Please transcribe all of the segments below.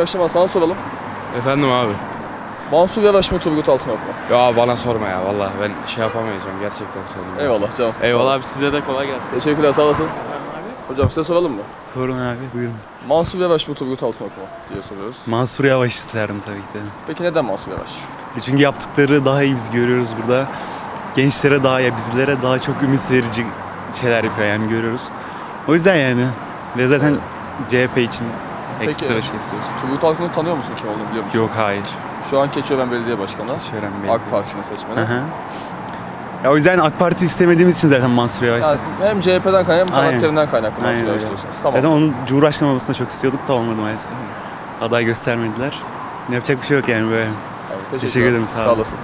iyi akşamlar, sana soralım. Efendim abi. Mansur Yavaş mı, Turgut Altınok mu? Ya bana sorma ya vallahi ben şey yapamayacağım gerçekten söyleyeyim. Eyvallah cansın. Eyvallah abi, size de kolay gelsin. Teşekkürler, sağ olasın. Hocam size soralım mı? Sorun abi, buyurun. Mansur Yavaş mı, Turgut Altınok mu diye soruyoruz. Mansur Yavaş isterim tabii ki de. Peki neden Mansur Yavaş? Çünkü yaptıkları daha iyi biz görüyoruz burada. Gençlere daha ya bizlere daha çok ümit verici şeyler yapıyor yani görüyoruz. O yüzden yani ve zaten CHP için ekstra şey istiyoruz. Turgut Altınok'u tanıyor musun, kim olduğunu biliyor musun? Yok, hayır. Şu an Keçiören Belediye Başkanı. Keçiören Belediye. AK Parti'nin seçmeni. Hı hı. Ya o yüzden AK Parti istemediğimiz için zaten Mansur Yavaş. Yani hem CHP'den kaynaklı hem Aynen. karakterinden kaynaklı Mansur Aynen Yavaş öyle. diyorsunuz. Tamam. Zaten onun Cumhurbaşkanı olmasını çok istiyorduk da olmadı maalesef. Aday göstermediler. Ne yapacak bir şey yok yani böyle. Evet, Teşekkür ederim, sağ olun. olasın.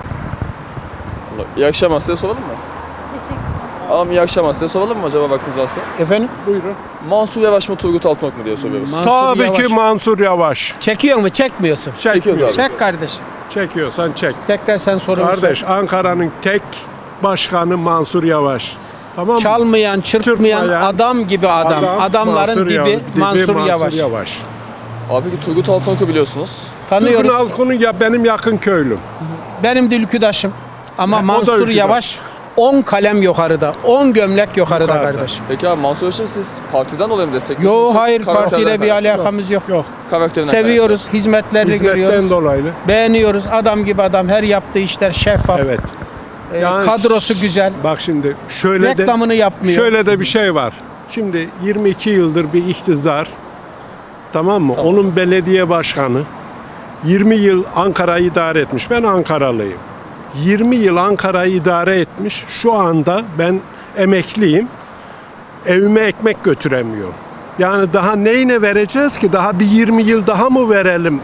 Allah, İyi akşamlar, size soralım mı? Teşekkür Tamam, iyi akşamlar, size soralım mı acaba vaktiniz varsa? Efendim? Buyurun. Mansur Yavaş mı, Turgut Altınok mu diye soruyoruz. Tabii ki Mansur Yavaş. Çekiyor mu? Çekmiyorsun. Çekiyoruz abi. Çek kardeşim. Çekiyorsan çek. Tekrar sen sorunu Kardeş, sor. Ankara'nın tek başkanı Mansur Yavaş. Tamam mı? Çalmayan, çırpmayan Çırpmayan adam gibi adam. Adamların Mansur dibi Mansur Yavaş. Abi peki Turgut Altınok'u biliyorsunuz. Türk'ün Tanıyoruz. halkını ya benim yakın köylüm. Benim de ülküdaşım. Ama O da Mansur ülküdaş. Yavaş 10 kalem yukarıda. 10 gömlek yukarıda Yukarıda. kardeşim. Peki abi Mansur Yavaş'ı siz partiden dolayı mı destekliyorsunuz? Yo yoksa hayır, karakterden partiyle bir kaynaklı mı? alakamız yok. Yok. Karakterinden Seviyoruz, hizmetlerini Hizmetten görüyoruz. dolayı. Beğeniyoruz. Adam gibi adam. Her yaptığı işler şeffaf. Evet. Kadrosu güzel. Bak şimdi şöyle Reklamını yapmıyor. Şöyle de bir şey var. Şimdi 22 yıldır bir iktidar, tamam mı? Tamam. Onun belediye başkanı 20 yıl Ankara'yı idare etmiş. Ben Ankaralıyım. 20 yıl Ankara'yı idare etmiş. Şu anda ben emekliyim. Evime ekmek götüremiyorum. Yani daha neyine vereceğiz ki? Daha bir 20 yıl daha mı verelim?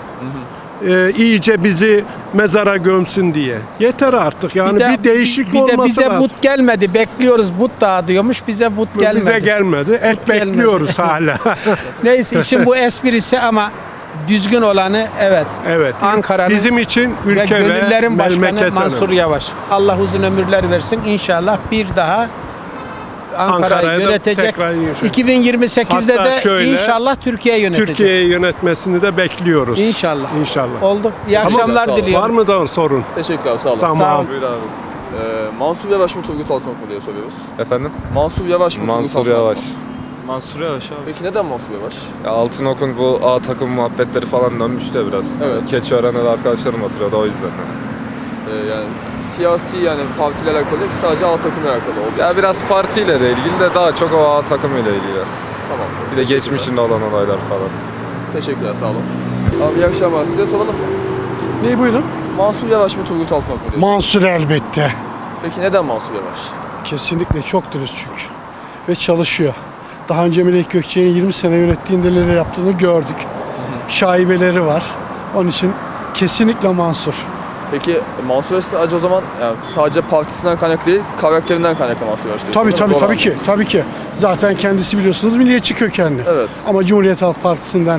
İyice bizi mezara gömsün diye. Yeter artık. Yani bir değişik olması lazım. bize but gelmedi. Bekliyoruz, but dağıtıyormuş. Bize but gelmedi. Bize gelmedi. Et gelmedi. bekliyoruz hala. Neyse, işin bu esprisi ama düzgün olanı evet. Evet. Ankara'nın bizim için ve ülke ve gönüllerin başkanı memleket Mansur önemli. Yavaş. Allah uzun ömürler versin. İnşallah bir daha Ankara'yı Ankara'ya da yönetecek. tekrar inşallah. 2028'de Hatta de şöyle, inşallah Türkiye yönetecek. Türkiye'yi yönetmesini de bekliyoruz. İnşallah. İnşallah. Oldu. İyi Tamam, akşamlar sağ olun. diliyorum. Var mı da sorun? Teşekkürler, sağ olun. Tamam. Sağ olun. Buyur abi. Mansur Yavaş mı, Turgut Altınok mu diye soruyoruz. Efendim? Mansur Yavaş mı, Turgut Mansur Altınok Yavaş. mu? Mansur Yavaş abi. Peki neden Mansur Yavaş? Ya Altınok'un bu A takım muhabbetleri falan dönmüş de biraz. Evet. Keçiören'de de arkadaşlarım oturuyordu o yüzden. Yani siyasi, yani partiyle alakalı değil, sadece A takımla alakalı oldu. Ya biraz partiyle de ilgili de daha çok o A takımıyla ilgili. Tamam. Bir de geçmişinde olan olaylar falan. Teşekkürler, sağ olun. Abi iyi akşamlar, size soralım mı? Ne buyurun? Mansur Yavaş mı, Turgut Altınok mu diyorsunuz? Mansur elbette. Peki neden Mansur Yavaş? Kesinlikle çok dürüst çünkü. Ve çalışıyor. Daha önce Melek Gökçe'nin 20 sene yönettiğinde neler yaptığını gördük. Şaibeleri var. Onun için kesinlikle Mansur. Peki Mansur Yavaş sadece o zaman yani sadece partisinden kaynaklı değil, karakterinden kaynaklı Mansur Yavaş diyorsunuz. Tabii değil mi? Doğru tabii anladım. ki. Tabii ki. Zaten kendisi biliyorsunuz milliyetçi kökenli. Evet. Ama Cumhuriyet Halk Partisi'nden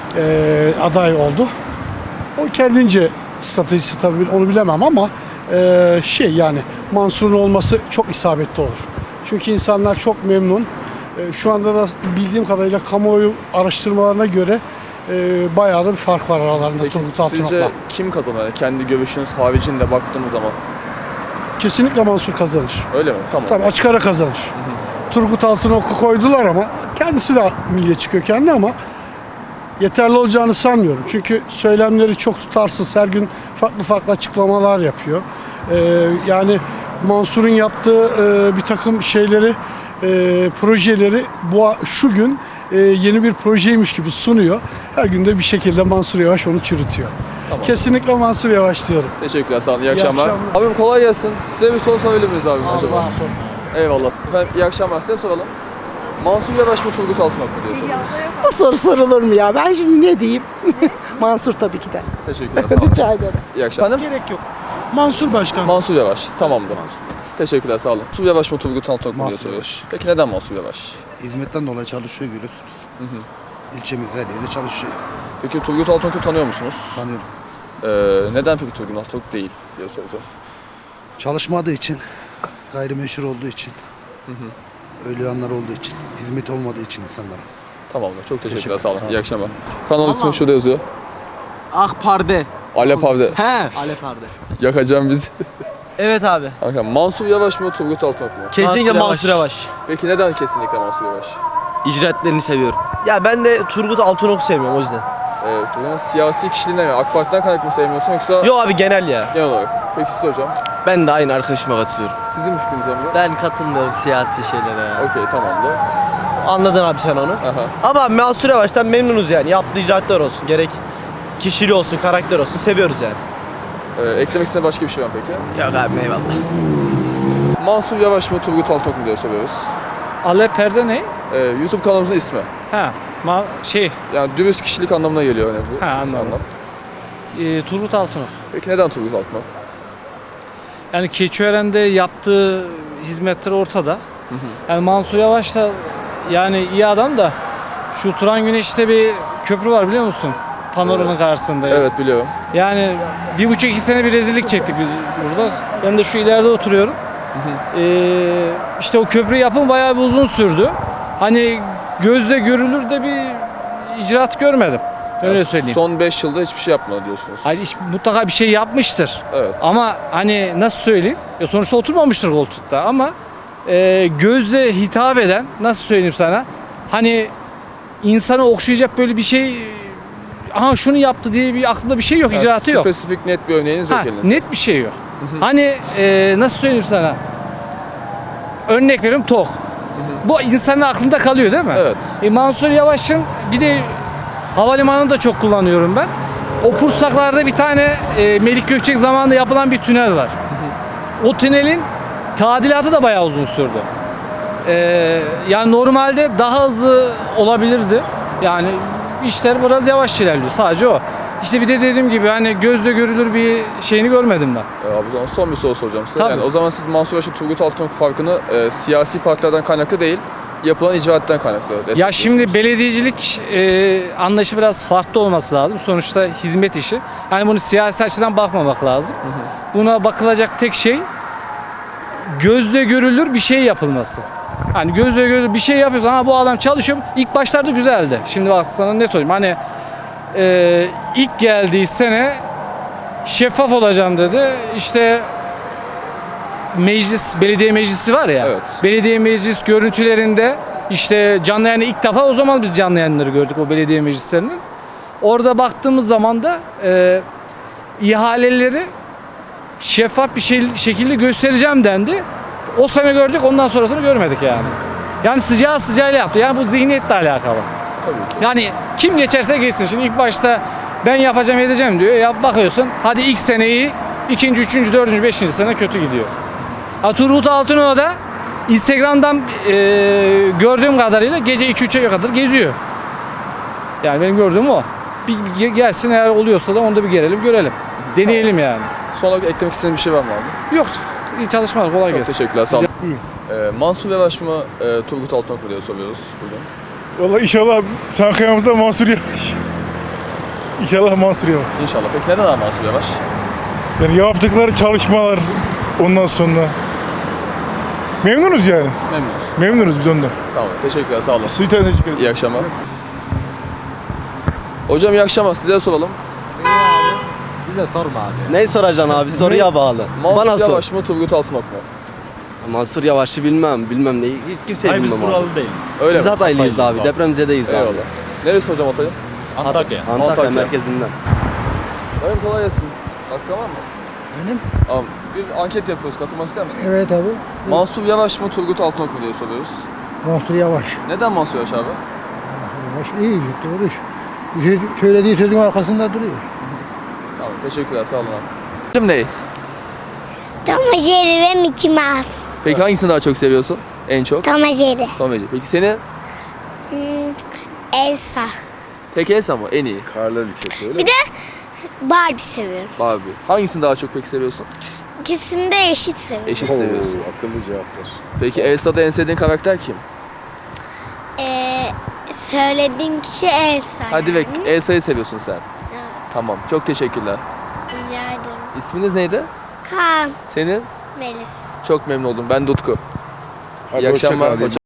aday oldu. O kendince stratejisi tabii onu bilemem ama yani Mansur'un olması çok isabetli olur. Çünkü insanlar çok memnun. Şu anda da bildiğim kadarıyla kamuoyu araştırmalarına göre bayağı da bir fark var aralarında Peki Turgut sizce Altınok'la. kim kazanır? Yani kendi görüşünüz haricinde baktığımız zaman. Kesinlikle Mansur kazanır. Öyle mi? Tamam. Tabii açık ara kazanır. Turgut Altınok'u koydular ama kendisi de milliyetçi kökenli ama yeterli olacağını sanmıyorum. Çünkü söylemleri çok tutarsız. Her gün farklı farklı açıklamalar yapıyor. Yani Mansur'un yaptığı bir takım şeyleri, projeleri şu gün yeni bir projeymiş gibi sunuyor. Her gün de bir şekilde Mansur Yavaş onu çürütüyor. Tamam. Kesinlikle Mansur Yavaş diyorum. Teşekkürler, sağ olun. İyi İyi akşamlar. akşamlar. Abim kolay gelsin. Size bir soru sorabilir miyiz abim acaba? Eyvallah. Efendim iyi akşamlar, size soralım. Mansur Yavaş mı, Turgut Altınok mu diye soruyoruz. Bu soru sorulur mu ya? Ben şimdi ne diyeyim? Mansur tabii ki de. Teşekkürler, sağ olun. Rica ederim. İyi akşamlar. Gerek yok. Mansur Başkan. Mansur Yavaş, tamamdır. Teşekkürler, sağ olun. Mansur Yavaş mı, Turgut Altınok mu diye Mansur soruyoruz. Peki neden Mansur Yavaş? Hizmetten dolayı çalışıyor görüyorsunuz. İlçemiz her yerde çalışıyor. Peki Turgut Altınok'u tanıyor musunuz? Tanıyorum. Neden peki Turgut Altınok değil diye soracağım. Çalışmadığı için, gayrimeşhur olduğu için, öyle yanlar olduğu için, hizmet olmadığı için insanlara. Tamamdır, çok teşekkürler, Teşekkür sağ olun. ederim. İyi akşamlar. Kanal ismi şurada yazıyor. Akpar'de. Alep abi de He. Alep abi. yakacağım bizi. Evet abi. Kanka Mansur Yavaş mı Turgut Altınok mu? Kesinlikle Mansur Yavaş. Peki neden kesinlikle Mansur Yavaş? İcraatlerini seviyorum. Ya ben de Turgut Altınok'u sevmiyorum o yüzden. Evet, Turgut'un siyasi kişiliğinden mi? AK Parti'den kaynaklı mı sevmiyorsun yoksa Yo abi genel ya. genel olarak? Peki siz hocam? Ben de aynı arkadaşıma katılıyorum. Sizin fikriniz var mı? Ben katılmıyorum siyasi şeylere ya. Okey, tamamdır. Anladın abi sen onu. Aha. Ama Mansur Yavaş'tan memnunuz yani. Yaptığı icraatlar olsun. Gerek kişiliği olsun, karakter olsun. Seviyoruz yani. Eklemek istediğin başka bir şey var mı peki? Yok abi eyvallah. Mansur Yavaş mı Turgut Altınok mu diye soruyoruz. Alep Perde ne? YouTube kanalımızın ismi. Ha, Yani dürüst kişilik anlamına geliyor önemli. Ha, anladım. Turgut Altınok. Peki neden Turgut Altınok? Yani Keçiören'de yaptığı hizmetler ortada. Yani Mansur Yavaş da yani iyi adam da şu Turan Güneş'te bir köprü var biliyor musun? Panoranın karşısında. Evet biliyorum. Yani 1,5-2 sene bir rezillik çektik biz burada. Ben de şu ileride oturuyorum. İşte o köprü yapımı bayağı bir uzun sürdü. Hani gözle görülür de bir icraat görmedim. Öyle söyleyeyim. Son 5 yılda hiçbir şey yapmadı diyorsunuz. Hani mutlaka bir şey yapmıştır. Evet. Ama hani nasıl söyleyeyim? Ya sonuçta oturmamıştır koltukta ama gözle hitap eden nasıl söyleyeyim sana? Hani insanı okşayacak böyle bir şey aha şunu yaptı diye bir aklımda bir şey yok, icraatı yok. Spesifik net bir örneğiniz yok elinizde. Net bir şey yok. Hani nasıl söyleyeyim sana? Örnek veriyorum TOK. Bu insanın aklında kalıyor değil mi? Evet. Mansur Yavaş'ın bir de havalimanını da çok kullanıyorum ben. O Pursaklar'da bir tane Melik Gökçek zamanında yapılan bir tünel var. O tünelin tadilatı da bayağı uzun sürdü. Yani normalde daha hızlı olabilirdi. Yani işler biraz yavaş ilerliyor. Sadece o. İşte bir de dediğim gibi hani gözle görülür bir şeyini görmedim ben. Abi o zaman son bir soru soracağım size. Tabii. Yani o zaman siz Mansur Yavaş'ın Turgut Altınok farkını siyasi partilerden kaynaklı değil, yapılan icraatten kaynaklı. Ya şimdi belediyecilik anlayışı biraz farklı olması lazım. Sonuçta hizmet işi. Yani bunu siyasi açıdan bakmamak lazım. Buna bakılacak tek şey gözle görülür bir şey yapılması. Hani gözle görülür bir şey yapıyorsun ama bu adam çalışıyor. İlk başlarda güzeldi. Şimdi bak sana ne söyleyeyim. Hani ilk geldiği sene şeffaf olacağım dedi. İşte meclis, belediye meclisi var ya. Evet. Belediye meclis görüntülerinde işte canlı yayını ilk defa o zaman biz canlı yayınları gördük o belediye meclislerinin. Orada baktığımız zaman da ihaleleri şeffaf bir şekilde göstereceğim dendi. O sene gördük, ondan sonrasını görmedik yani. Yani sıcağı sıcağıyla yaptı. Yani bu zihniyetle alakalı. Tabii ki. Yani kim geçerse geçsin. Şimdi ilk başta ben yapacağım edeceğim diyor. Ya bakıyorsun hadi ilk seneyi ikinci, üçüncü, dördüncü, beşinci sene kötü gidiyor. Turgut Altınok da Instagram'dan gördüğüm kadarıyla gece 2-3'e kadar geziyor. Yani benim gördüğüm o. Bir gelsin eğer oluyorsa da onu da bir gelelim görelim. Deneyelim yani. Son olarak eklemek istediğin bir şey var mı abi? Yok. İyi çalışmalar. Kolay Çok gelsin. teşekkürler. Sağ olun. Mansur Yavaş mı Turgut Altınok mu diye soruyoruz bugün. Vallahi inşallah Çankaya'mızda Mansur Yavaş. İnşallah Mansur Yavaş. İnşallah. Peki neden abi Mansur Yavaş? Yani yaptıkları çalışmalar ondan sonra memnunuz yani. Memnunuz. Memnunuz biz ondan. Tamam. Teşekkürler. Sağ olun. Size teşekkür ederim. İyi akşamlar. Hocam iyi akşamlar. Size soralım. Bize sorma abi. Neyi soracaksın abi? Soruya bağlı. Mansur Bana sor. Yavaş mı Turgut Altınok mu? Mansur Yavaş'ı bilmem neyi. Hiç kimseyi bilmem abi. değiliz. Öyle Biz mi? Hataylıyız abi. Depremzedeyiz abi. Eyvallah. Neresi hocam Hatay'ın? Antakya. Antakya Antakya. merkezinden. Dayım kolay gelsin. Akraban mı? Benim? Abi bir anket yapıyoruz. Katılmak ister misiniz? Evet abi. Mansur Yavaş mı Turgut Altınok mu diye soruyoruz. Mansur Yavaş. Neden Mansur Yavaş abi? Yavaş iyi, doğru iş. Söylediği sözün arkasında duruyor. Tamam. Teşekkürler. Sağ olun abi. Kim ne? Tom and Jerry ve Mickey Mouse. Peki hangisini daha çok seviyorsun? En çok? Tom and Jerry. Tom ve Jerry. Peki seni? Elsa. Tek Elsa mı? En iyi. Karlar ülkesi öyle Bir de Barbie seviyorum. Barbie. Hangisini daha çok peki seviyorsun? İkisini de eşit seviyorum. Eşit seviyorsun. akıllı cevaplar. Peki Elsa'da en sevdiğin karakter kim? Söylediğin kişi Elsa. Hadi yani. bek. Elsa'yı seviyorsun sen. Evet. Tamam. Çok teşekkürler. Rica ederim. İsminiz neydi? Kaan. Senin? Melis. Çok memnun oldum. Ben Dutku. Hadi İyi hoşça akşamlar kal. hocam.